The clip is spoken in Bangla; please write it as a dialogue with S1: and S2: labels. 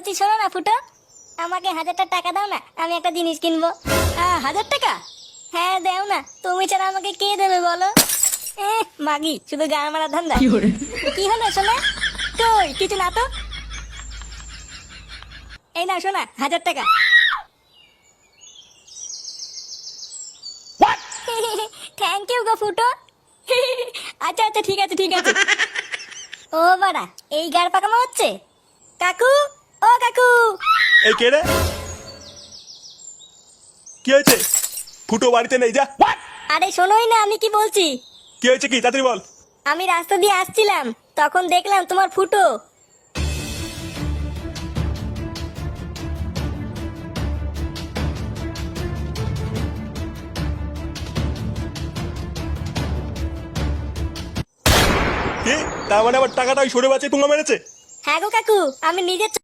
S1: বলছি শোনো না ফুটো, আমাকে 1000টা টাকা দাও না, আমি একটা জিনিস কিনবো।
S2: 1000 টাকা?
S1: হ্যাঁ দাও না, তুমি ছাড়া আমাকে কে দেবে বলো? মাগি শুধু গান মারা ধান্দা। কি হলো শোনা?
S2: কই কিছু না তো।
S1: এই না শোনা 1000 টাকা। থ্যাংক ইউ গো ফুটো।
S2: আচ্ছা আচ্ছা ঠিক আছে ঠিক আছে।
S1: ও বাড়া, এই গাড় পাকামো হচ্ছে? কাকু, ও কাকু।
S3: এই কে রে? কি হয়েছে? ফুটো বাড়িতে নেই, যা।
S1: আরে শোনোই না আমি কি বলছি।
S3: কি হয়েছে, কি তাড়াতাড়ি বল।
S1: আমি রাস্তা দিয়ে আসছিলাম, তখন দেখলাম তোমার ফুটো।
S3: কি? তার মানে আবার টাকাটা ওই সরে বাঁচে পুঙ্গা মেরেছে?
S1: হ্যাঁ গো কাকু, আমি নিজের